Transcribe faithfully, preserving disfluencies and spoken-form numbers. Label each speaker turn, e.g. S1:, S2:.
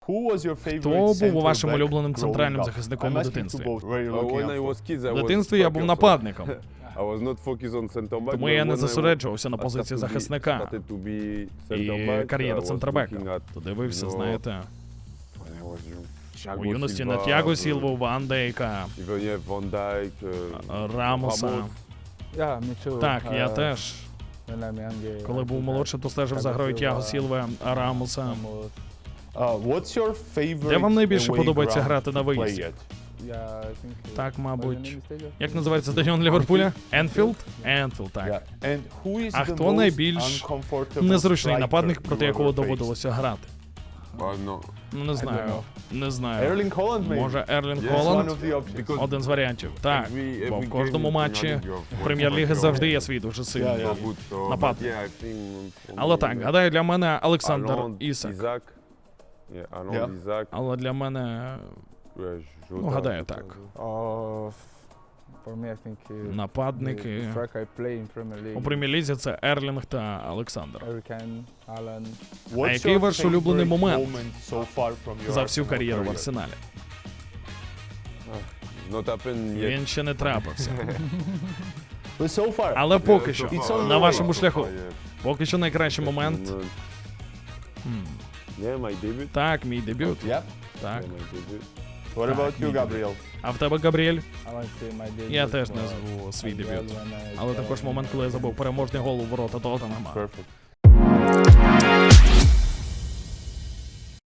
S1: Хто був у вашим улюбленим центральним захисником у дитинстві?
S2: В
S1: В дитинстві я був нападником,
S2: Тому
S1: тому я не зосереджувався на позиції захисника. І кар'єра центрбека. То дивився, знаєте, у юності на Тяго Сілву, Ван Дейка, Рамоса. Так, я теж. Коли був молодшим, то стежив за грою Тяго Сілви, Рамоса. Де вам найбільше подобається грати на виїзді? Так, мабуть. Як називається стадіон Ліверпуля? Енфілд? Енфілд, так. А хто найбільш незручний нападник, проти якого доводилося грати? Ну, не знаю. Не знаю. Може, Ерлінг Холланд? Один з варіантів. Так, бо в кожному матчі Прем'єр-ліги завжди є свій дуже сильний нападник. Але так, гадаю, для мене Олександр Ісак. Але для мене, ну, гадаю, так. Нападники у Прем'єр-лізі — це Ерлінг та Олександр. А який ваш улюблений момент за всю кар'єру в Арсеналі? Він ще не трапився. Але поки що, на вашому шляху, поки що найкращий момент. Хм. Так, мій дебют. Так.
S3: What about you, Gabriel?
S1: А в тебе, Габріель? Я теж назву свій дебют. Але також момент, коли я забув переможний гол у ворота Тоттенхема.
S3: Perfect.